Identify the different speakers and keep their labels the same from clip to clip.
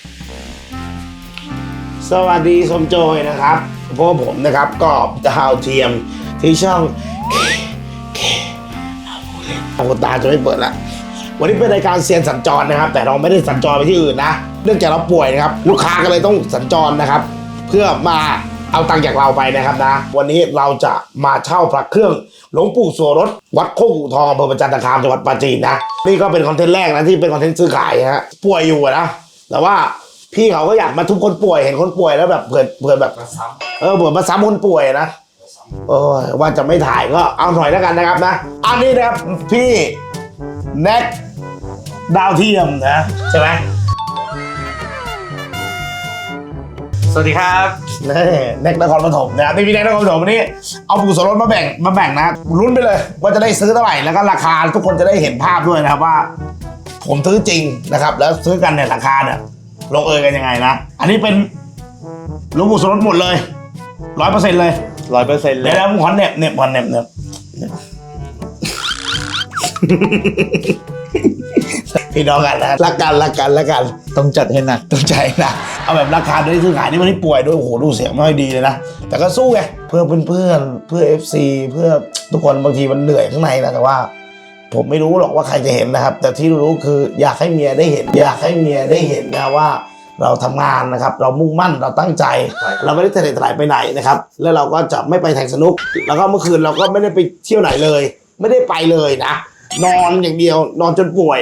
Speaker 1: สวัสดีสมโจยนะครับพวกผมนะครับก็ดาวเทียมที่ช่องเอาตาจะไม่เปิดละวันนี้เป็นรายการเซียนสัญจรนะครับแต่เราไม่ได้สัญจรไปที่อื่นนะเนื่องจากเราป่วยนะครับลูกค้าก็เลยต้องสัญจรนะครับเพื่อมาเอาตังค์จากเราไปนะครับนะวันนี้เราจะมาเช่าพระเครื่องหลวงปู่โสรสวัดโคกอู่ทองอำเภอประจันตคามจังหวัดปราจีนนะนี่ก็เป็นคอนเทนต์แรกนะที่เป็นคอนเทนต์ซื้อขายฮะป่วยอยู่นะแต่ว่าพี่เขาก็อยากมาทุบคนป่วยเห็นคนป่วยแล้วแบบเผื่อแบบเผื่อมาซ้ำคนป่วยนะว่าจะไม่ถ่ายก็เอาหน่อยแล้วกันนะครับนะอันนี้นะครับพี่แน็กดาวเทียมนะใช่ไหม
Speaker 2: สวัสดีครับ
Speaker 1: แน็กนครปฐมนะครับพี่แน็กนครปฐมวันนี้เอาปู่โสรสมาแบ่งนะลุ้นไปเลยว่าจะได้ซื้อเท่าไหร่แล้วก็ราคาทุกคนจะได้เห็นภาพด้วยนะครับว่าผมซื้อจริงนะครับแล้วซื้อกันเนี่ยราคาเนี่ยลงเอยกันยังไงนะอันนี้เป็นหลวงปู่โสรสหมดเลย 100% เลย
Speaker 2: 100%เลย
Speaker 1: แล้วผมขอเน็บก่อนเน็บพี่น้องกันนะรักกัน
Speaker 2: ต้องจัดให้หนัก
Speaker 1: ต้องใจนะเอาแบบราคาด้วยซื้อขายนี่มันไม่ป่วยด้วยโอ้โหดูเสียงไม่ค่อยดีเลยนะแต่ก็สู้ไงเพื่อเพื่อนเพื่อ FC เพื่อทุกคนบางทีมันเหนื่อยข้างในนะแต่ว่าผมไม่รู้หรอกว่าใครจะเห็นนะครับแต่ที่รู้คืออยากให้เมียได้เห็นนะว่าเราทำงานนะครับเรามุ่งมั่นเราตั้งใจเราไม่ได้ทะเลทลายไปไหนนะครับแล้วเราก็จะไม่ไปแทงสนุกแล้วก็เมื่อคืนเราก็ไม่ได้ไปเที่ยวไหนเลยไม่ได้ไปเลยนะนอนอย่างเดียวนอนจนป่วย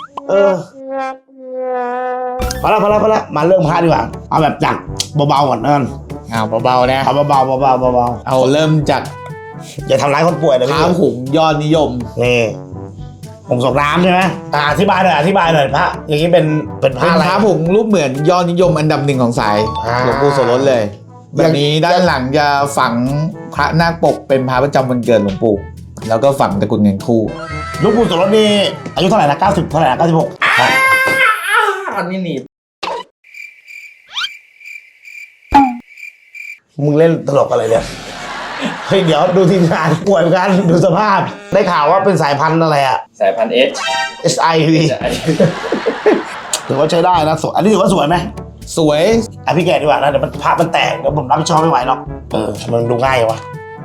Speaker 1: พอละมาเริ่มพาดีกว่าเอาแบบจากเบาๆก่อนนั่น
Speaker 2: เอาเบาๆนะ
Speaker 1: เอาเบา
Speaker 2: เอาเริ่มจาก
Speaker 1: อย่าทำร้ายคนป่วยนะ
Speaker 2: พระหุงยอดนิยม
Speaker 1: นี่ผงส่งน้ำใช่ไหมอธิบายหน่อยพระอย่างนี้เป็นพระอะไร
Speaker 2: พระผงรูปเหมือนยอดนิยมอันดับหนึ่งของสายหลวงปู่โสรสเลยแบบนี้ด้านหลังจะฝังพระนาคปกเป็นพระประจำวันเกิดหลวงปู่แล้วก็ฝังตะกุดเงินคู่
Speaker 1: หลวงปู่โสรสนี่อายุเท่าไหร่นะ90เท่าไหร่นะ96
Speaker 2: อันนี้หนี
Speaker 1: มึงเล่นตลกอะไรเนี่ยเฮ้ยเดี๋ยวดูทีมงานป่วยเหมือนกันดูสภาพได้ข่าวว่าเป็นสายพันธุ์อะไรอะ
Speaker 2: สายพันธุ์
Speaker 1: SIV ถือว่าใช้ได้นะสวยอันนี้ถือว่าสวยไหม
Speaker 2: สวย
Speaker 1: พี่แกดีกว่านะเดี๋ยวภาพมันแตกเดี๋ยวผมรับผิดชอบไม่ไหวหรอกมันดูง่ายวะ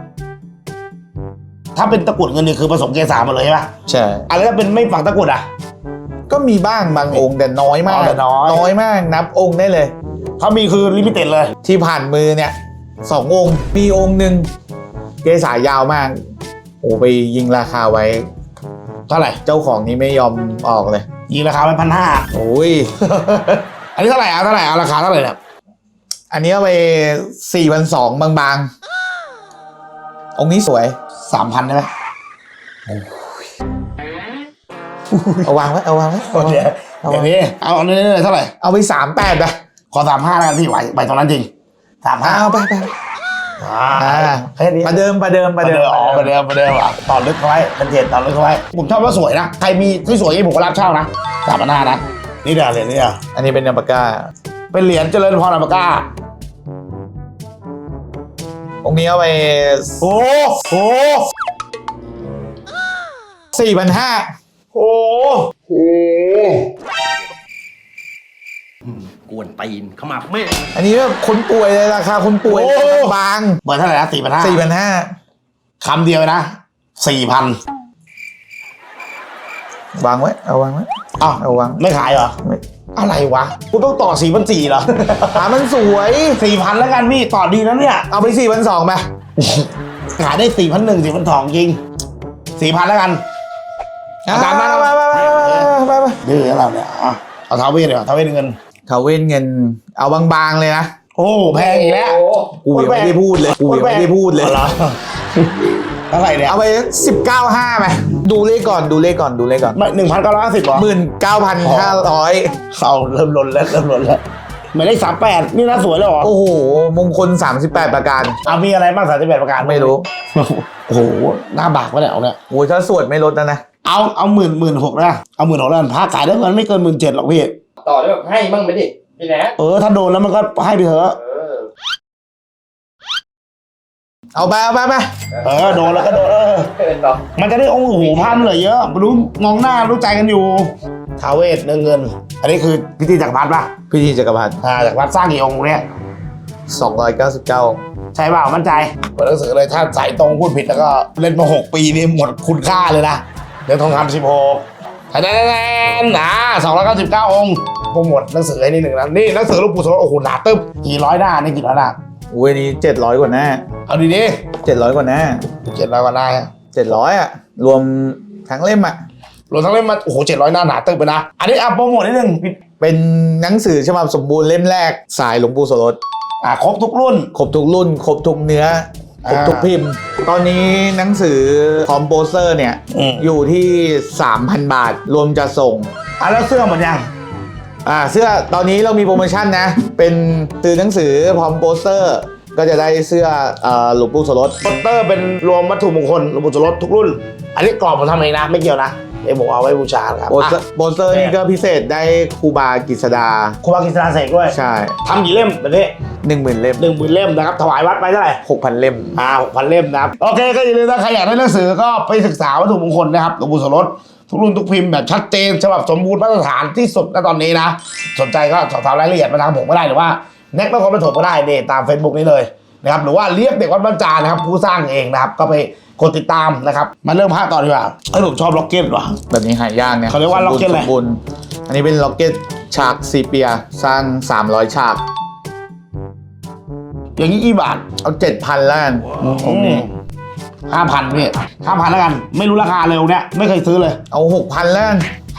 Speaker 1: ถ้าเป็นตะกุดเงินนี่คือผสมเกสาหมดเลยใช่ปะ
Speaker 2: ใช่
Speaker 1: อะไรถ้าเป็นไม่ฝังตะกุดอ่ะ
Speaker 2: ก็มีบ้างบางองค์แต่น้อยมากน้อยมากนับองค์ได้เลย
Speaker 1: ถ้ามีคือลิมิเต็ดเลย
Speaker 2: ที่ผ่านมือเนี่ย2 องค์มีองค์หนึ่งเกสายาวมากโอ้ไปยิงราคาไว้
Speaker 1: เท่าไหร่
Speaker 2: เจ้าของนี้ไม่ยอมออกเลย
Speaker 1: ยิงราคาไว้1,500
Speaker 2: โอ้ย
Speaker 1: อันนี้เท่าไหร่เอาราคาเท่าไหร่เนี่ย
Speaker 2: อันนี้เอาไป4,200บางๆองค์นี้สวย
Speaker 1: 3,000ได้ไหม
Speaker 2: เอาวางไว้
Speaker 1: อย่างนี้เอาเนื้อเท่าไหร่
Speaker 2: เอาไป38นะ
Speaker 1: ขอ35แล้วกันพี่ไหวตรงนั้นจริง35
Speaker 2: เอาไปประเดิม
Speaker 1: ต่อลึกเข้าไว้เป็นเจ็ดต่อลึกเข้าไว้ผมชอบว่าสวยนะใครมีสวยๆผมก็รับเช่านะ3,500นะนี่เดี๋ยวเหรียญนี่
Speaker 2: อันนี้เป็นอัลปาก้า
Speaker 1: เป็นเหรียญเจริญพรอัลปาก้า
Speaker 2: องค์นี้เอาไป
Speaker 1: โอ้
Speaker 2: 4,500
Speaker 1: โอ้
Speaker 3: กวนตีนขมับแม่
Speaker 2: อันนี้แบบคนป่วยเลยราคาคนป่วยบาง
Speaker 1: เปิดเท่าไหร่นะ
Speaker 2: 4,500
Speaker 1: คำเดียวนะ4,000
Speaker 2: วางไว้เอาวางไว้เอาวาง
Speaker 1: ไม่ขายเหรออะไรวะกูต้องต่อ4,400เหรอ
Speaker 2: มันสวย
Speaker 1: 4,000แล้วกันพี่ต่อดีนะเนี่ย
Speaker 2: เอาไป4,200ไป
Speaker 1: ขายได้4,100 4,200จริง4,000แล้วกัน
Speaker 2: ตามนั้นไป
Speaker 1: ดื้อเราเนี่ยเอาท้าวเวสเลยท้าวเวสเงิน
Speaker 2: เอาบางๆเลยนะ
Speaker 1: โอ้แพงอีกแล้ว
Speaker 2: กูยังไม่ได้พูดเลย
Speaker 1: เท่าไหร่เนี่ย
Speaker 2: เอาไป19,500ไปดูเลขก่อน
Speaker 1: 1,950หรอ
Speaker 2: 19,500
Speaker 1: เขาเริ่มล้นแล้วหมายเลข38นี่น่าสวยเลยเหรอ
Speaker 2: โอ้โหมงคล38ประการ
Speaker 1: มีอะไรบ้าง38ประการ
Speaker 2: ไม่รู้
Speaker 1: โอ้โหหน้าบากวะเนี่ยเอาเนี่ย
Speaker 2: โอ้ยถ้าสวดไม่ลดนะ
Speaker 1: เอา16,000นะเอา16,000แล้วพระขายได้เงินไม่เกิน17,000หรอกพี่
Speaker 3: ต่อได้แบบให้มั่งไหมดิพี่แนท
Speaker 1: ถ้าโดนแล้วมันก็ให้ไปเถอะ
Speaker 2: เอาไป
Speaker 1: โดนแล้วก็โดนมันจะได้องค์หูพันเลยเยอะรู้มองหน้ารู้ใจกันอยู่ท้าวเวสเงิน อันนี้คือพิธีจักรพรรดิป่ะ
Speaker 2: พิธีจักรพรรดิ
Speaker 1: จักรพรรดิสร้างกี่องค์เนี่ย
Speaker 2: 299
Speaker 1: ใช่เปล่ามั่นใจเปิดหนังสือเลยถ้าสายตรงพูดผิดแล้วก็เล่นมา6 ปีนี่หมดคุณค่าเลยนะเหรียญทองคำ16คะแนน299 องค์โปรโมทหนังสือให้นิดหนึ่งนะนี่หนังสือหลวงปู่โสโอ้โหหนาตึ๊บกี่ร้อยหน้านี่กี่ร้อยหน้า
Speaker 2: อุ้ยนี่700 กว่าหน้า
Speaker 1: เอาดี
Speaker 2: 700 กว่าหน้า
Speaker 1: 700 กว่าหน้า
Speaker 2: 700 อ่ะ รวมทั้งเล่มอ่ะ
Speaker 1: รวมทั้งเล่มมาโอ้โห700 หน้าหนาตึ๊บไปนะอันนี้โปรโมทนิดหนึ่ง
Speaker 2: เป็นหนังสือฉบับสมบูรณ์เล่มแรกสายหลวงปู่โสรส
Speaker 1: ครบทุกรุ่น
Speaker 2: ครบทุกรุ่น ครบทุกเนื้อ ครบทุกพิมพ์ ตอนนี้หนังสือพร้อมโปสเตอร์เนี่ย อยู่ที่ 3,000 บาท รวมจะส่ง
Speaker 1: แล้วเสื้อหมดยัง
Speaker 2: เสื้อตอนนี้เรามีโปรโมชั่นนะ เป็นซื้อหนังสือพร้อมโปสเตอร์ ก็จะได้เสื้อหลวงปู่โสรส
Speaker 1: โปสเตอร์เป็นรวมวัตถุมงคลหลวงปู่โสรสทุกรุ่น อันนี้กรอบผมทำเองนะไม่เกี่ยวนะเดี๋ยวผมเอาไว้บูชาครับ
Speaker 2: โปสเตอร์นี่ก็พิเศษได้ครูบากิษดา
Speaker 1: ครูบากิษณาเสกด้วย
Speaker 2: ใช่
Speaker 1: ทำกี่เล่มแบบนี้
Speaker 2: 10,000 เล่ม
Speaker 1: 10,000 เล่มนะครับถวายวัดไปเท่าไหร่
Speaker 2: 6,000 เล่ม
Speaker 1: 6,000 เล่มนะครับโอเคก็อย่าลืมนะใครอยากได้หนังสือก็ไปศึกษาวัตถุมงคลนะครับหลวงปู่โสรสทุกรุ่นทุกพิมพ์แบบชัดเจนฉบับสมบูรณ์มาตรฐานที่สุดณตอนนี้นะสนใจก็สอบถามรายละเอียดมาทางผมก็ได้หรือว่าแน็กนครปฐมก็ได้เนี่ยตาม Facebook นี้เลยนะครับหรือว่าเรียกเด็กวัดบ้านจานนะครับผู้สร้างเองนะครับก็ไปกดติดตามนะครับมาเริ่มภาคต่อดีกว่าผมชอบล็อกเก็ตว่ะ
Speaker 2: แบบนี้หายากเนี่ย
Speaker 1: เขาเรียกว่าล็อกเก็ตอะไร
Speaker 2: สมบูรณ์อันนี้เป็นล็อกเก็ตฉากซีเปียสร้าง300 ฉาก
Speaker 1: อย่างนี้กี่บาท
Speaker 2: เอา 7,000 แล้วกัน
Speaker 1: 5,000พี่5,000แล้วกันไม่รู้ราคาเลยเนี่ยไม่เคยซื้อเลย
Speaker 2: เอา 6,000 แล้วกัน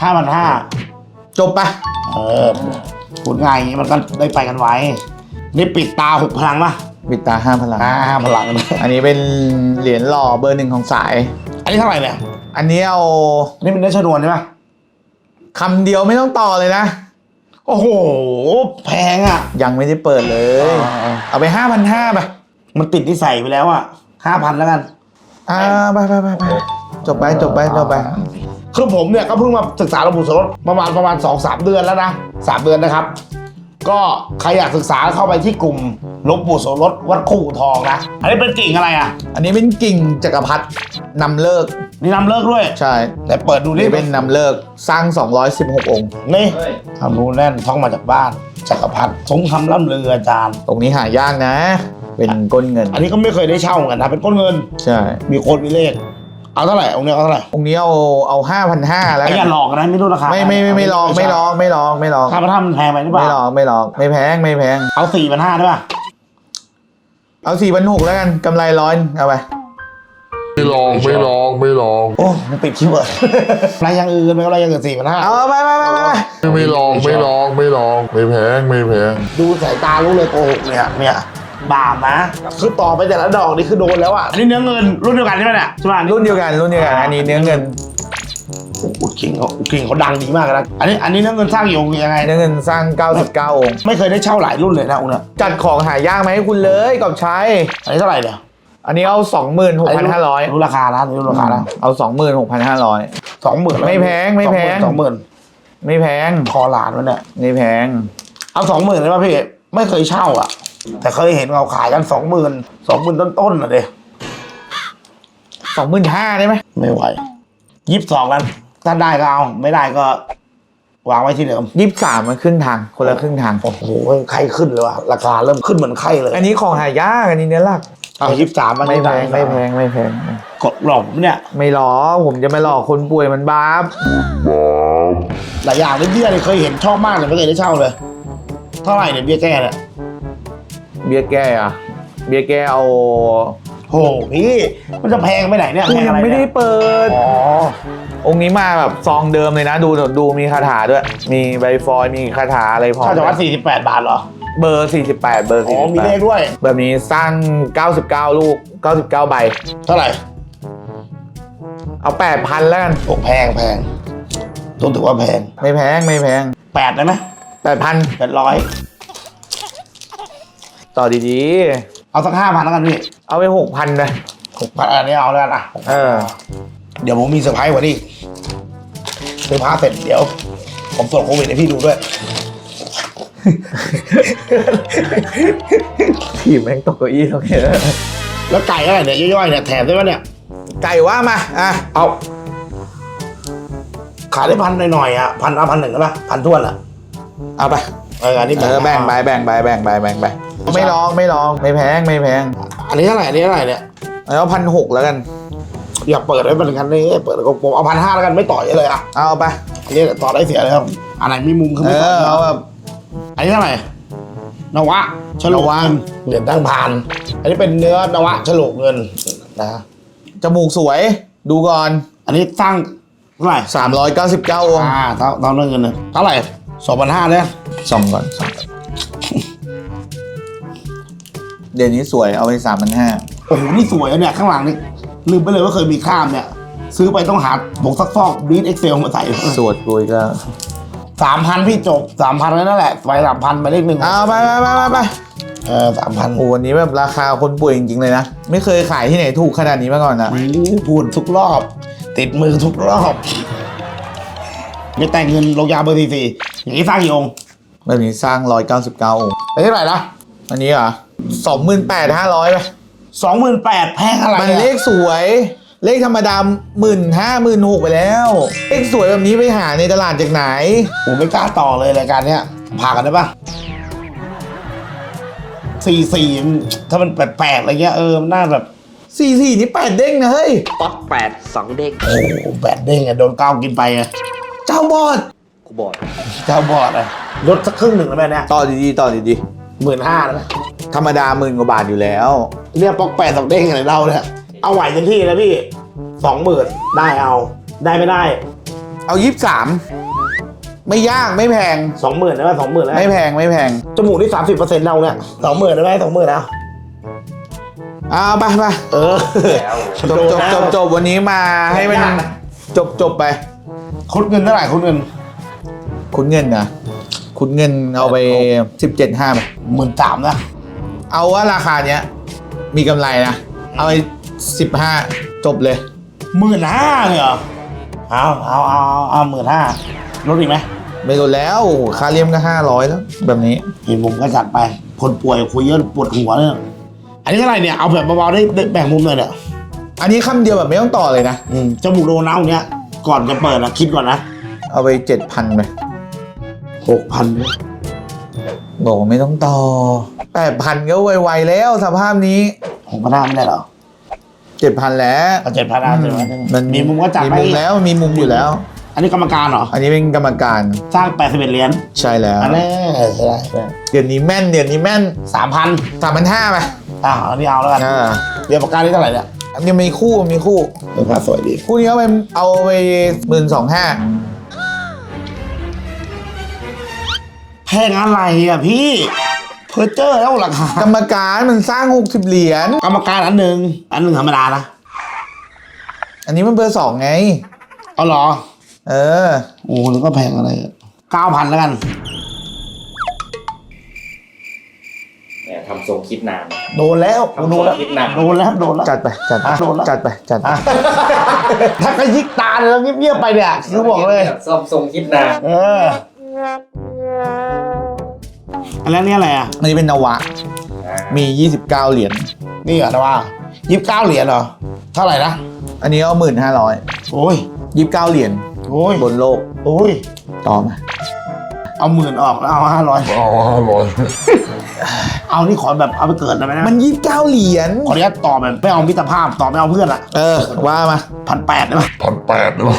Speaker 1: 5,500
Speaker 2: จบปะ
Speaker 1: พูดง่ายอย่างนี้มันก็ได้ไปกันไว้นี่ปิดตา6 พลังป่ะ
Speaker 2: ปิดตา5 พลัง
Speaker 1: 5 พลัง
Speaker 2: อันนี้เป็นเหรียญหล่อเบอร์ 1ของสาย
Speaker 1: อันนี้เท่าไหร่เนี่ย
Speaker 2: อันนี้เอา
Speaker 1: อันนี้เป็นเนื้อชนวนใช่ไหม
Speaker 2: คำเดียวไม่ต้องต่อเลยนะ
Speaker 1: โอ้โหแพงอ่ะ
Speaker 2: ยังไม่ได้เปิดเลย เอาไป 5,500 ไป
Speaker 1: มันติดที่ใส่ไปแล้วอ่ะ5,000แล้วกัน
Speaker 2: ไปจบไป
Speaker 1: คือผมเนี่ยก็เพิ่งมาศึกษาหลวงปู่โสรสประมาณ 2-3 เดือนแล้วนะ3 เดือนนะครับก็ใครอยากศึกษาเข้าไปที่กลุ่มหลวงปู่โสรสวัดคู่ทองนะอันนี้เป็นกิ่งอะไรอ่ะ
Speaker 2: อันนี้เป็นกิ่งจักรพรรดินำเลิก
Speaker 1: นี่นำเลิกด้วย
Speaker 2: ใช่
Speaker 1: แต่เปิดดูนี่
Speaker 2: นี่เป็นนำเลิกสร้าง 216 องค์
Speaker 1: นี่
Speaker 3: เฮ้ย
Speaker 1: ทำรู้แน่นท่องมาจากบ้านจักรพรรดิสงคำล่ำลืออาจารย์
Speaker 2: ตรงนี้หายากนะ เป็นก้นเงิน
Speaker 1: อันนี้ก็ไม่เคยได้เช่าเหมือนกันนะเป็นก้นเงิน
Speaker 2: ใช่
Speaker 1: มีโคนมีเลขเอาเท่าไหร่องค์เนี้ยเอาเท่าไหร่
Speaker 2: องค์นี้เอา 5,500 แล้ว
Speaker 1: ไอ้
Speaker 2: กั
Speaker 1: อย่าหลอกนะไม่รู้ราคา
Speaker 2: ไม่ลอง
Speaker 1: ค่าพระธรรมมันแพงไปหรือเปล่า
Speaker 2: ไม่ลองไม่แพง
Speaker 1: เอา4,500ได้ป่ะ
Speaker 2: เอา 4,600 แล้วกันกำไร100เอาไป
Speaker 4: ไม่ลอง
Speaker 1: โอ้มันปิดคีย์เวิร์ด อะไรอย่างอื่นไม่อะไรอย่างอื่น4,500
Speaker 2: เอาไป
Speaker 4: ไม่ลอง ไม่แพง
Speaker 1: ดูสายตารู้เลยโกหกเนี่ยบาปนะคือต่อไปแต่ละดอกนี่คือโดนแล้วอ่ะนี่เนื้อเงินรุ่นเดียวกันใช่ไหมเนี่ยใช่ไหม
Speaker 2: รุ่นเดียวกันอันนี้เนื้อเงิน
Speaker 1: อุดคิงเขาดังดีมากนะอันนี้เนื้อเงินสร้างอยู่ยังไง
Speaker 2: เนื้อเงินสร้าง 99 องค์
Speaker 1: ไม่เคยได้เช่าหลายรุ่นเลยนะองค์เนี่ย
Speaker 2: จัดของหายากไหมาให้คุณเลยกับใช้
Speaker 1: อันนี้เท่าไหร่เนี่ย
Speaker 2: อันนี้เอา 26,500
Speaker 1: รู้ราคานะรู้ราคานะ
Speaker 2: เอา 26,500
Speaker 1: 20,000
Speaker 2: ไม่แพง
Speaker 1: 20,000
Speaker 2: ไม่แพง
Speaker 1: คอหลานมันเนี่ย
Speaker 2: ไม่แพง
Speaker 1: เอา20,000เลยป่ะพี่ไม่เคยเช่าอ่ะแต่เคยเห็นเขาขายกัน20,000ต้นๆน่ะเด้
Speaker 2: 25,000ได้ไหม
Speaker 1: ไม่ไหว22แล้วถ้าได้ก็เอาไม่ได้ก็วางไว้ที่เดิม
Speaker 2: 23มันขึ้นทางคนละครึ่งทาง
Speaker 1: โอ้โหไข้ขึ้นเลยว่ะราคาเริ่มขึ้นเหมือนไข้เลย
Speaker 2: อันนี้ของหายากอันนี้เนื้อหลัก
Speaker 1: เอา23มัน
Speaker 2: ไม่แพง
Speaker 1: กดหลอกผมเนี่ย
Speaker 2: ไม่หลอกผมจะไม่หลอกคนป่วยมันบาป
Speaker 1: หลายอย่างเลยเบี้ยเนี่ยเคยเห็นชอบมากเลยไม่เคยได้เช่าเลยเท่าไหร่เนี่ยเบี้ยแก้เนี่ย
Speaker 2: เบี้ยแก้อะเบี้ยแก้เอา
Speaker 1: โหพี่มันจะแพงไปไหนเนี่ย
Speaker 2: กู
Speaker 1: แพง
Speaker 2: ยั
Speaker 1: อะ
Speaker 2: ง
Speaker 1: ไร
Speaker 2: ไม่ได้
Speaker 1: เนี่ย
Speaker 2: เปิด
Speaker 1: อ๋อ
Speaker 2: องค์นี้มาแบบซองเดิมเลยนะดูมีคาถาด้วย มีใบฟอยล์มีคาถาอะไรพร้อม
Speaker 1: ค่าจังหวัด48 บาทเหรอ
Speaker 2: เบอร์ 48 เบอร์
Speaker 1: อ๋อมีเลขด้วย
Speaker 2: แบบนี้สร้าง 99 ลูก 99 ใบ
Speaker 1: เท่าไหร่
Speaker 2: เอา 8,000 แล้วกัน
Speaker 1: โอ้แพงต้องถือว่าแพง
Speaker 2: ไม่แพง
Speaker 1: 8ได้ไหม
Speaker 2: 8,000
Speaker 1: 800
Speaker 2: ต่อดี
Speaker 1: เอาสัก5,000แล้วกันพี่
Speaker 2: ๆ เอาไป 6,000เลย
Speaker 1: 6,000อันนี้เอาแล้วกันอ่ะ เดี๋ยวผมมีเซอร์ไพรส์กว่านี้เซอร์ไพรส์เสร็จเดี๋ยวผมตรวจโควิดให้พี่ดูด้วย
Speaker 2: ทีมแม่งตกเก้าอี้ตรงนี้
Speaker 1: แล้วไก่อะไรเนี่ยย่อยๆเนี่ยแถมได้ไหมเนี่ย
Speaker 2: ไก่ว่ามา
Speaker 1: เอาขายได้พันหน่อยๆอ่ะพันเอา1,000ก็ได้พันท้วนอ่ะ
Speaker 2: เอาไป
Speaker 1: อันนี้
Speaker 2: แบ่งไปไม่ลองไม่แพง
Speaker 1: อันนี้เท่าไหร่เนี่ย
Speaker 2: เอา1,600แล้วกัน
Speaker 1: อย่าเปิดไว้เป็นกันเลยเปิดผมเอา1,500แล้วกันไม่ต่อยเลยอ่ะ
Speaker 2: เอาไป
Speaker 1: อันนี้ต่อได้เสียเลยครับอะไรมีมุมคือไม่ต่อ
Speaker 2: เอาแบบ
Speaker 1: อันนี้เท่าไหร่นวะฉลกเงินเหรียญตั้งพันอันนี้เป็นเนื้อนวะฉลกเงินนะ
Speaker 2: จมูกสวยดูก่อน
Speaker 1: อันนี้สร้างเท่าไหร่
Speaker 2: 399องค์
Speaker 1: เท่าเงินเนี่ยเท่าไหร่2,500เนี่ย
Speaker 2: ส่องก่อนเดี๋ยวนี้สวยเอาไป3,500
Speaker 1: โอ้โหนี่สวยอะเนี่ยข้างหลังนี่ลืมไปเลยว่าเคยมีข้ามเนี่ยซื้อไปต้องหาบกซักฟอกบีทเอ็กเซลมาใส่
Speaker 2: สวดกุยก็
Speaker 1: 3,000พี่จบ 3,000แล้วนั่นแหละไป3,000ไปเลขหนึ่ง
Speaker 2: เอาไป
Speaker 1: 3,000
Speaker 2: โอ้วันนี้แบบราคาคนป่วยจริงๆเลยนะไม่เคยขายที่ไหนถูกขนาดนี้มาก่อนนะ
Speaker 1: พูดทุกรอบ ติดมือทุกรอบไม่แต่งเงินลงยาเบอร์ทีอย่างนี้สร้างกี่องค์
Speaker 2: แบบนี้สร้าง199องค์
Speaker 1: ไปเท่าไหร่นะ
Speaker 2: อันนี้เหรอ28,500ไป
Speaker 1: 28,000แพงอะไร
Speaker 2: มันเลขสวยเลขธรรมดา15,000 16,000ไปแล้วเลขสวยแบบนี้ไปหาในตลาดจากไหน
Speaker 1: ผมไม่กล้าต่อเลยรายการเนี้ยผ่ากันได้ปะ44ถ้ามันแปลกๆอะไรเงี้ยมันน่าแบบ
Speaker 2: 44นี่8เด้งนะเฮ้ย
Speaker 3: ป๊อต8 2 เด็ก
Speaker 1: โอ้แบดเด้งอะโดนก้าวกินไปไง
Speaker 2: เจ้าบอด
Speaker 3: กูบอก
Speaker 1: เจ้าบอดอะลดสักครึ่งหนึ่งแล้วแม่เนี่ย
Speaker 2: ต่อดี
Speaker 1: 15,000แล้วนะ
Speaker 2: ธรรมดา10,000 กว่าบาทอยู่แล้ว
Speaker 1: เนี่ยป๊อก8 2เด้งอะไรเราเนี่ยเอาไหวเต็มที่นะพี่ 20,000ได้เอาได้ไม่ได้
Speaker 2: เอา23ไม่ยากไม่แพง
Speaker 1: 20,000ได้ไหม20,000ได้ไหม
Speaker 2: ไม่แพง
Speaker 1: จมูกนี่30%เราเนี่ย20,000ได้ไหม20,000แล้ว
Speaker 2: เอาไป
Speaker 3: แล้ว
Speaker 2: จบวันนี้มาให้มันจบไป
Speaker 1: คุดเงินเท่าไหร่คุดเงิน
Speaker 2: คุณเงินนะคุณเงินเอาไป 17,500ไป
Speaker 1: 13,000นะ
Speaker 2: เอาว่าราคาเนี้ยมีกำไรนะเอาไป15จบเลย
Speaker 1: 15,000เลยเหรอเอา15,000ลดอีกไหม
Speaker 2: ไม่ลดแล้วค่าเลี่ยมก็500แล้วแบบนี้
Speaker 1: อีกมุมก็จัดไปคนป่วยคุยเยอะปวดหัวเนี่ยอันนี้เท่าไหร่เนี่ยเอาแบบเบาๆได้แบ่งมุมเลยเนี่ย
Speaker 2: อันนี้คำเดียวแบบไม่ต้องต่อเลยนะ
Speaker 1: จมูกโดนเอาเนี่ยก่อนจะเปิดนะคิดก่อนนะ
Speaker 2: เอาไป 7,000ไป
Speaker 1: 6,000ด้วย
Speaker 2: บอกว่าไม่ต้องต่อ 8,000ก็ไวๆแล้วสภาพนี้
Speaker 1: 6,500ไม่ได้เหรอ
Speaker 2: 7,000แล้ว
Speaker 1: เอา7,000เอา7,000
Speaker 2: มัน
Speaker 1: มีมุมก็จัด
Speaker 2: มี
Speaker 1: ไป
Speaker 2: มุมแล้วมีมุมอยู่แล้ว
Speaker 1: อันนี้กรรมการเหรอ
Speaker 2: อันนี้เป็นกรรมการ
Speaker 1: สร้าง81เหรียญ
Speaker 2: ใช่แล้ว
Speaker 1: อันนี้ได้
Speaker 2: เดี๋ยวนี้แม่น
Speaker 1: 3,000
Speaker 2: 3,500ไป
Speaker 1: อันนี้เอาแล้วกัน เรียนปากกานี่เท่าไหร่เนี่ย
Speaker 2: อันนี้มีคู่
Speaker 1: ราคาสวยดี
Speaker 2: คู่นี้เอาไป12,500
Speaker 1: แพงอะไรอ่ะพี่เพอร์เจอร์แล้วราคาก
Speaker 2: รรมการมันสร้าง60เหรียญ
Speaker 1: กรรมการอันหนึ่งธรรมดานะ
Speaker 2: อันนี้มันเบอร์2ไง
Speaker 1: เอาเหรอ
Speaker 2: เออ
Speaker 1: โอ้แล้วก็แพงอะไร9,000แล้วกัน
Speaker 3: เนี่ยทำทรงคิดนาน
Speaker 1: โดนแล้วโดนแล้ว
Speaker 3: คิดหนัก
Speaker 1: โดนแล้วโดนแล้ว
Speaker 2: จัดไป
Speaker 1: โดนแล้ว
Speaker 2: จัดไป
Speaker 1: ถ้าก็ยิกตาเลยแล้วเงียบๆไปเนี่ยคือบอกเลย
Speaker 3: ซ่อมทรงคิดนาน
Speaker 1: อันแล้วนี่อะไรอ่ะ
Speaker 2: อันนี้เป็นนวะ มี29เหรียญ
Speaker 1: นี่เหรอนะว่า29เหรียญเหรอเท่าไหร่นะ
Speaker 2: อันนี้เอา1,500
Speaker 1: โอ้ย
Speaker 2: 29เหรียญ
Speaker 1: โอ้ย
Speaker 2: บนโลก
Speaker 1: โอ้ย
Speaker 2: ต่อมา
Speaker 1: เอา10,000ออกแล้วเอา500
Speaker 4: เอา500
Speaker 1: เอานี่ขอแบบเอาไปเกิดได้ไหมนะ
Speaker 2: มัน29เหรียญ
Speaker 1: ขออนุญาตต่อแบบไม่เอามิตรภาพต่อไม่เอาเพื่อนละ
Speaker 2: ว่ามา
Speaker 1: 1,800ได้ไหม
Speaker 4: 1,800ได้ปะ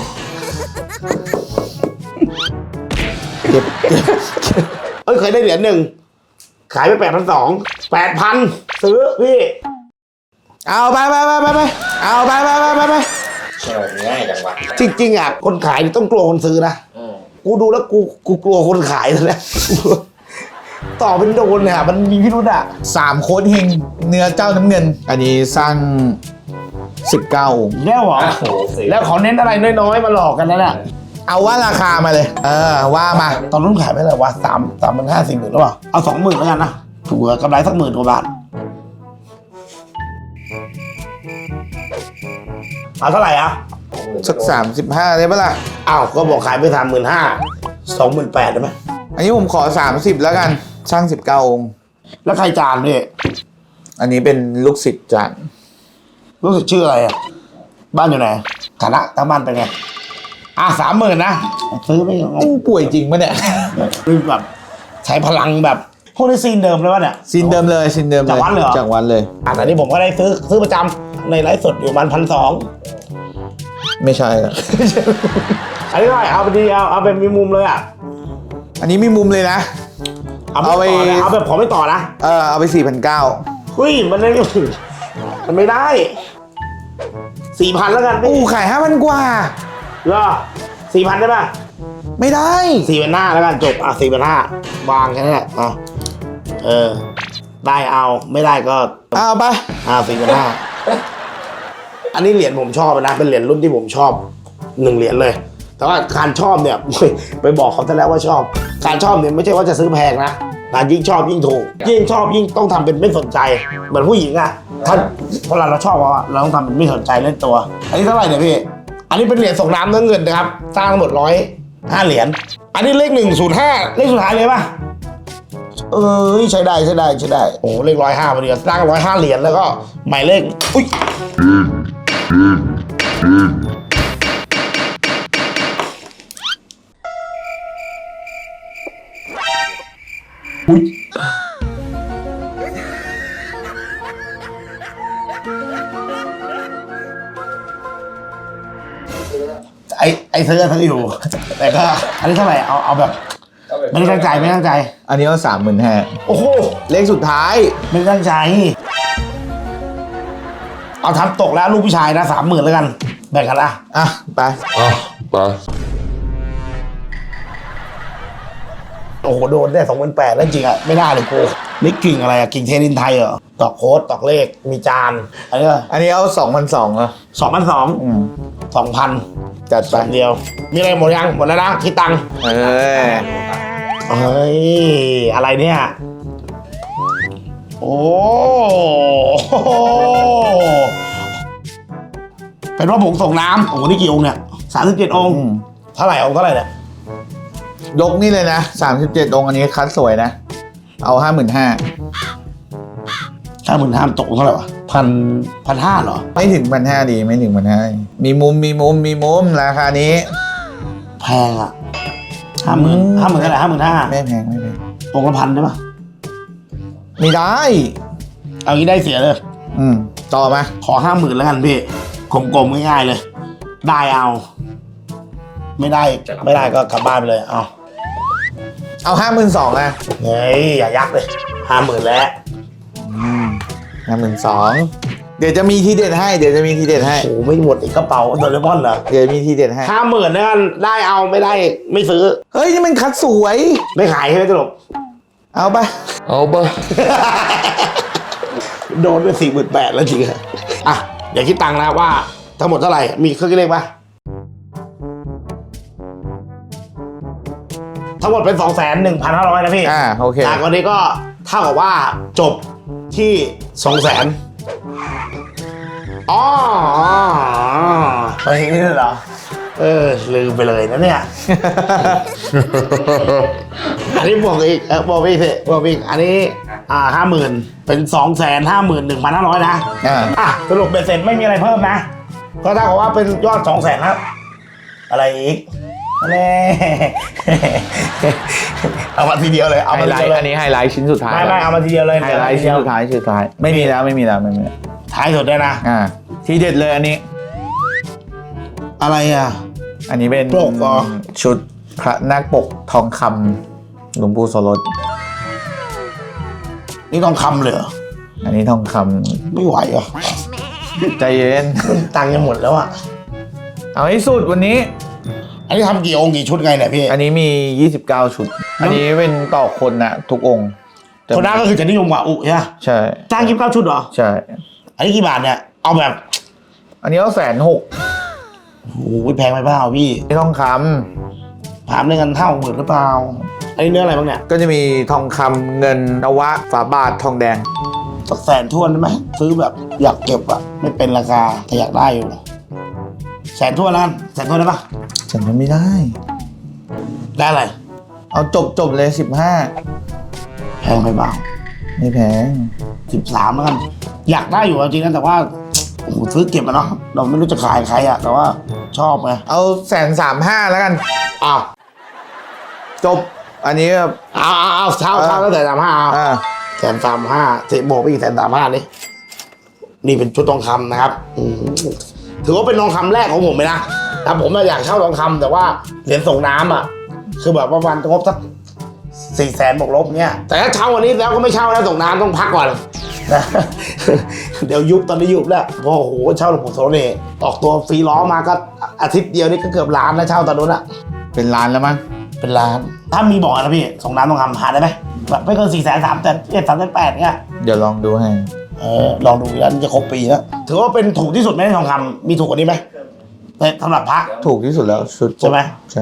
Speaker 2: เก็บ
Speaker 1: เคยได้เหรียญหนึ่งขายไป8,200 8,000ซื้อพี่
Speaker 2: เอาไปเอาไป
Speaker 3: ง่ายจังวะ
Speaker 1: จริงๆอ่ะคนขายนี่ต้องกลัวคนซื้อนะกูดูแล้วกูกลัวคนขายเลยนะ ต่อเป็นโดนเนี่ยมันมีพิรุธอ่ะ
Speaker 2: 3โค้ดเฮงเนื้อเจ้าน้ำเงิน อันนี้สร้าง19องค์
Speaker 1: แล้วเหรอ
Speaker 3: โอ้โห
Speaker 1: แล้วเขาเน้นอะไรน้อยๆมาหลอกกันนั่นแหละ
Speaker 2: เอาว่าราคามาเลย ว่ามา
Speaker 1: ตอนนู้นขายไปเท่าไหร่วะ3,500 4,000หรือเปล่าเอา20,000แล้วกันนะถูกกำไรสัก10,000 กว่าบาทเอาเท่าไหร่อ่ะ
Speaker 2: สัก35ได้ปะล่ะ
Speaker 1: อ้าวก็บอกขายไป35,000 28,000ได้ไหม
Speaker 2: อันนี้ผมขอ30แล้วกันสร้าง19องค์
Speaker 1: แล้วใครจานพี่
Speaker 2: อันนี้เป็นลูกศิษย์จาน
Speaker 1: รู้สึกชื่ออะไรอ่ะบ้านอยู่ไหนฐานะทางบ้านเป็นไง30,000นะซื้อไม่เอา
Speaker 2: มึงป่วยจริงปะเนี่ย
Speaker 1: คือแบบใช้พลังแบบพวกนี้ซีนเดิมเลยวะเนี่ย
Speaker 2: ซินเดิมเลยซินเดิมเลย
Speaker 1: จากวัดเลยเหรอ
Speaker 2: จากวัดเลย
Speaker 1: แต่นี่ผมก็ได้ซื้อประจำในไลฟ์สดอยู่ประมาณ1,200
Speaker 2: ไม่ใช่อะ
Speaker 1: อันนี้เท่าไหร่เอาไปดีเอาเป็นมีมุมเลยอ่ะ
Speaker 2: อันนี้มีมุมเลยนะ
Speaker 1: เอาไปต่อนะเอาแบบขอไม่ต่อนะ
Speaker 2: เอาไป4,900
Speaker 1: เฮ้ยมันไม่มันไม่ได้ 4,000แล้วกัน
Speaker 2: ขาย5,000 กว่า
Speaker 1: เหรอ 4,000ได้ป่ะ
Speaker 2: ไม่ได้
Speaker 1: 4,500แล้วกันจบ4,500วางแค่นั้นแหละได้เอาไม่ได้ก็
Speaker 2: เอาไป
Speaker 1: 4,500อันนี้เหรียญผมชอบนะเป็นเหรียญรุ่นที่ผมชอบ1เหรียญเลย แต่ว่าการชอบเนี่ย ไปบอกเขาซะแล้วว่าชอบ การชอบเนี่ยไม่ใช่ว่าจะซื้อแพงนะยิ่งชอบยิ่งถูกยิ่งชอบยิ่งต้องทำเป็นไม่สนใจเหมือนผู้หญิงอ่ะถ้าเวลาเราชอบเราต้องทำเป็นไม่สนใจเล่นตัว อันนี้เท่าไหร่เนี่ยพี่อันนี้เป็นเหรียญส่งน้ำเนื้อเงินนะครับสร้างทั้งหมด105เหรียญอันนี้เลข105เลขสุดท้ายเลยป่ะใช้ได้โอ้เลข105พอดีสร้าง105เหรียญแล้วก็หมายเลขอุ้ยไอ้ซื้ออยู่ แต่ก็อันนี้เท่าไหร่เอาแบบไม่ได้ตั้งใจ
Speaker 2: อันนี้ก็35,000
Speaker 1: โอ้โห
Speaker 2: เลขสุดท้าย
Speaker 1: ไม่ได้ตั้งใจเอาทำตกแล้วลูกผู้ชายนะ30,000แล้วกันแบ่งกันละ
Speaker 2: อ่ะ ไป
Speaker 4: อ่ะไป
Speaker 1: โอ้โหโดนได้28,000แล้วจริงอ่ะไม่ได้เลยกูนี่กิ่งอะไรอ่ะกิ่งเทนินไทยเหรอตอกโค้ดตอกเลขมีจานอันนี้ก็
Speaker 2: อันนี้เอา2,200อ่ะ
Speaker 1: 2,200
Speaker 2: จัดไป
Speaker 1: เดียวมีอะไรหมดยังหมดแล้วนะคิดตังค์
Speaker 2: เฮ้ย
Speaker 1: อะไรเนี่ยโอ้เป็นว่าผงส่งน้ำโอ้โหนี่กี่องค์เนี่ย37องค์เท่าไหร่องค์เท่าไหร่เนี่ย
Speaker 2: ยกนี่เลยนะ37 องค์อันนี้คัดสวยนะ เอา55,000
Speaker 1: 55,000ตกเท่าไหร่วะ1,500เหรอ
Speaker 2: ไม่ถึง1,500ดีไม่ถึง1,500มีมุมราคานี้
Speaker 1: แพงอ่ะ50,000เท่าไหร่55,000
Speaker 2: ไม่แพง
Speaker 1: องค์ละ1,000ได้ปะ
Speaker 2: ไม่ได้
Speaker 1: เอางี้ได้เสียเลย
Speaker 2: ต่อมา
Speaker 1: ขอ 50,000แล้วกันพี่กลมๆง่ายๆเลย ได้เอาไม่ได้ก็กลับบ้านไปเลยเอา
Speaker 2: 52,000นะ
Speaker 1: เฮ้ยอย่ายักเลย50,000แล้ว
Speaker 2: 52,000เดี๋ยวจะมีทีเด็ดให้
Speaker 1: โอ้โหไม่หมดอีกกระเป๋าโดเรมอนเหรอ
Speaker 2: เดี๋ยวมีทีเด็ดให้
Speaker 1: 50,000แล้วกันได้เอาไม่ได้ไม่ซื้อ
Speaker 2: เฮ้ย นี่มันคัดสวย
Speaker 1: ไม่ขายใช่ไหมตลก
Speaker 2: เอาไป
Speaker 4: เอาไป
Speaker 1: โดนไป48,000แล้วจริงอะอ่ะเดี๋ยวคิดตังค์นะว่าทั้งหมดเท่าไหร่มีเครื่องคิดเลขปะทั้งหมดเป็น 2,1,500 นะพี่
Speaker 2: โอเค
Speaker 1: จากวันนี้ก็เท่ากับว่าจบที่ 200,000อ๋ออะไรอย่างนี้เหรอลืมไปเลยนะเนี่ย อันนี้บวกอีกบวกอีกสิบวกอีกอันนี้50,000เป็น251,500นะสรุปเบ็ดเสร็จไม่มีอะไรเพิ่มนะก็เท่ากับว่าเป็นยอด200,000ครับอะไรอีกแน่ เอามาทีเดียวเลยเอา
Speaker 2: ไฮ
Speaker 1: มา
Speaker 2: ไล
Speaker 1: ที
Speaker 2: ท์
Speaker 1: เดียว
Speaker 2: อัน
Speaker 1: เลย
Speaker 2: นี้ไฮไลท์ชิ้นสุดท้าย
Speaker 1: ไม่เอามาทีเดียวเลย
Speaker 2: ไฮไลท์ชิ้นสุดท้ายไม่มีแล้ว
Speaker 1: ท้ายสุดได้นะ
Speaker 2: ทีเด็ดเลยอันนี้
Speaker 1: อะไรอ่ะ
Speaker 2: อันนี้เป็น
Speaker 1: ปกเหรอ
Speaker 2: ชุดพระนาคปกทองคำหลวงปู่โสรส
Speaker 1: นี่ต้องคำเลยเหรอ
Speaker 2: อันนี้ทองค
Speaker 1: ไม่ไหวอ่ะ
Speaker 2: ำใจเย็น
Speaker 1: ตังค์ยังหมดแล้วอ่ะ
Speaker 2: เอาให้สุดวันนี้
Speaker 1: อันนี้ทำกี่องค์กี่ชุดไงเนี่ยพี่
Speaker 2: อันนี้มี29ชุด อันนี้เป็นต่อคนนะทุกองค์
Speaker 1: คนนั้นก็คือจะนิยมกว่าอุใช่ไหม
Speaker 2: ใช่
Speaker 1: จ้าง29ชุดเหรอ
Speaker 2: ใช่
Speaker 1: อันนี้กี่บาทเนี่ยเอาแบบ
Speaker 2: อันนี้ก็160,000
Speaker 1: โอ้โหแพงไปเปล่าพี่
Speaker 2: นี่ทองค
Speaker 1: ถามเรื่องกัน50,000หรือเปล่าอันนี้เนื้ออะไรบ้างเนี่ย
Speaker 2: ำก็จะมีทองคำเงินนวะฝาบาททองแดง
Speaker 1: สัก100,000ทวนได้ไหมซื้อแบบอยากเก็บอะไม่เป็นราคาแต่อยากได้อยู่100,000ทวนแล้วกัน100,000ทวนได้ปะ
Speaker 2: ฉันทำไม่ได้
Speaker 1: ได้อะไร
Speaker 2: เอาจบเลย15
Speaker 1: แพงไปเปล่า
Speaker 2: ไม่แพง
Speaker 1: 13แล้วกันอยากได้อยู่จริงนะแต่ว่าโอ้โหซื้อเก็บมาเนาะเราไม่รู้จะขายใครอะแต่ว่าชอบไง
Speaker 2: เอา135,000แล้วกัน
Speaker 1: อ้าว
Speaker 2: จบ อันนี้ก็
Speaker 1: เอาเช่าตั้งแต่35เอา
Speaker 2: อ่า
Speaker 1: 135,000เสร็จโบกไปอีก135,000นี่เป็นชุดทองคำนะครับถือว่าเป็นทองคำแรกของผมเลยนะแต่ผมอยากเช่าทองคำแต่ว่าเหรียญส่งน้ำอ่ะคือแบบว่าวันงบสัก400,000บวกลบเนี่ยแต่ถ้าเช่าวันนี้แล้วก็ไม่เช่าแล้วส่งน้ำต้องพักก่อนนะ เดี๋ยวยุบตอนนี้ยุบแล้วโอ้โหเช่าหลวงปู่โสนี่ออกตัวฟรีล้อมาก็อาทิตย์เดียวนี่ก็เกือบล้านแล้วเช่าตอนนู้นอะ
Speaker 2: เป็นล้านแล้วมั้ง
Speaker 1: เป็นล้าน ถ้ามีบอกนะพี่ส่งน้ำทองคำหาได้ไหมแบบไม่เกิน400,000 300,000 เนี่ย
Speaker 2: เดี๋ยวลองดูให้
Speaker 1: ลองดูแล้วจะครบปีแล้วถือว่าเป็นถูกที่สุดไหมในทองคำมีถูกกว่านี้ไหมในสำหรับพระ
Speaker 2: ถูกที่สุดแล้วชุด
Speaker 1: ใช่ไหม
Speaker 2: ใช่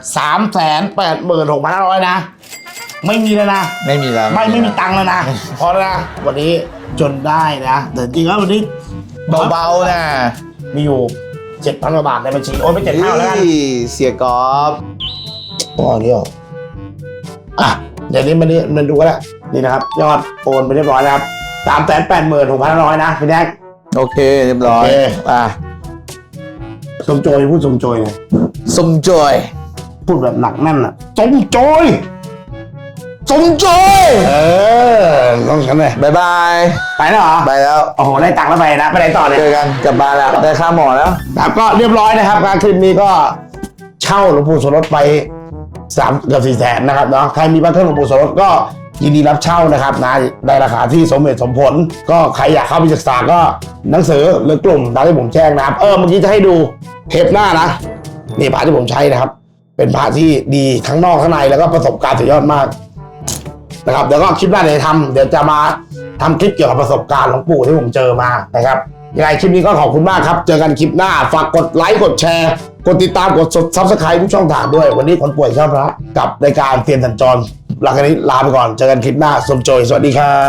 Speaker 1: 386,500นะไม่มีแล้วนะ
Speaker 2: ไม่มีแล้ว
Speaker 1: ไม่มีตังค์แล้วนะพอแล้วนะวันนี้จนได้นะแต่จริงๆแล้ววันนี้
Speaker 2: เบาๆนะ
Speaker 1: มีอยู่ 7,000 กว่าบาทในบัญชีโอนไป7,000แล้วกัน
Speaker 2: เฮ้ยเสียกอล์ฟ
Speaker 1: อ๋อนี่หรออ่ะเดี๋ยวนี้มันดูกันแล้วนี่นะครับยอดโอนไปเรียบร้อยนะครับ386,500นะพี่แดก
Speaker 2: โอเคเรียบร้อย
Speaker 1: โอเค
Speaker 2: อ่ะ
Speaker 1: สมโจยพูดสมโจยเลย
Speaker 2: สมจอย
Speaker 1: พูดแบบหนักแน่นอ่ะสมโจย
Speaker 2: สมจอย
Speaker 1: ต้องฉันเลย
Speaker 2: บายบาย
Speaker 1: ไปแล้วเหรอ
Speaker 2: ไปแล้ว
Speaker 1: โอ้โหได้ตังค์แล้วไปนะไปไหนต่อเนี่ย
Speaker 2: เจอกันกลับบ้านแล้วได้ค่าหมอแล้ว
Speaker 1: ครับก็เรียบร้อยนะครับการคลิปนี้ก็เช่าหลวงปู่โสรถไป3 เกือบ 400,000นะครับเนาะใครมีพระเครื่องหลวงปู่โสรถก็ยินดีรับเช่านะครับนะในราคาที่สมเหตุสมผล ก็ใครอยากเข้าไปศึกษาก็หนังสือหรือกลุ่มตามที่ผมแจ้งนะครับเมื่อกี้จะให้ดูเทปหน้านะนี่พระที่ผมใช้นะครับ เป็นพระที่ดีทั้งนอกทั้งในแล้วก็ประสบการณ์สุดยอดมากนะครับเดี๋ยวก็คลิปหน้าเดี๋ยวจะมาทำคลิปเกี่ยวกับประสบการณ์หลวงปู่ที่ผมเจอมานะครับยังไงคลิปนี้ก็ขอบคุณมากครับเจอกันคลิปหน้าฝากกดไลค์กดแชร์กดติดตามกดซับสไครต์ทุกช่องทางด้วยวันนี้คนป่วยชอบพระกับรายการเซียนสัญจรหลังจากนี้ลาไปก่อนเจอกันคลิปหน้าสมโจยสวัสดีครับ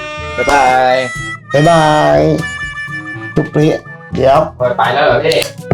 Speaker 2: บ๊ายบาย
Speaker 1: บ๊ายบายทุกปีเดี๋ยว
Speaker 3: ไปแล้วเหรอพี่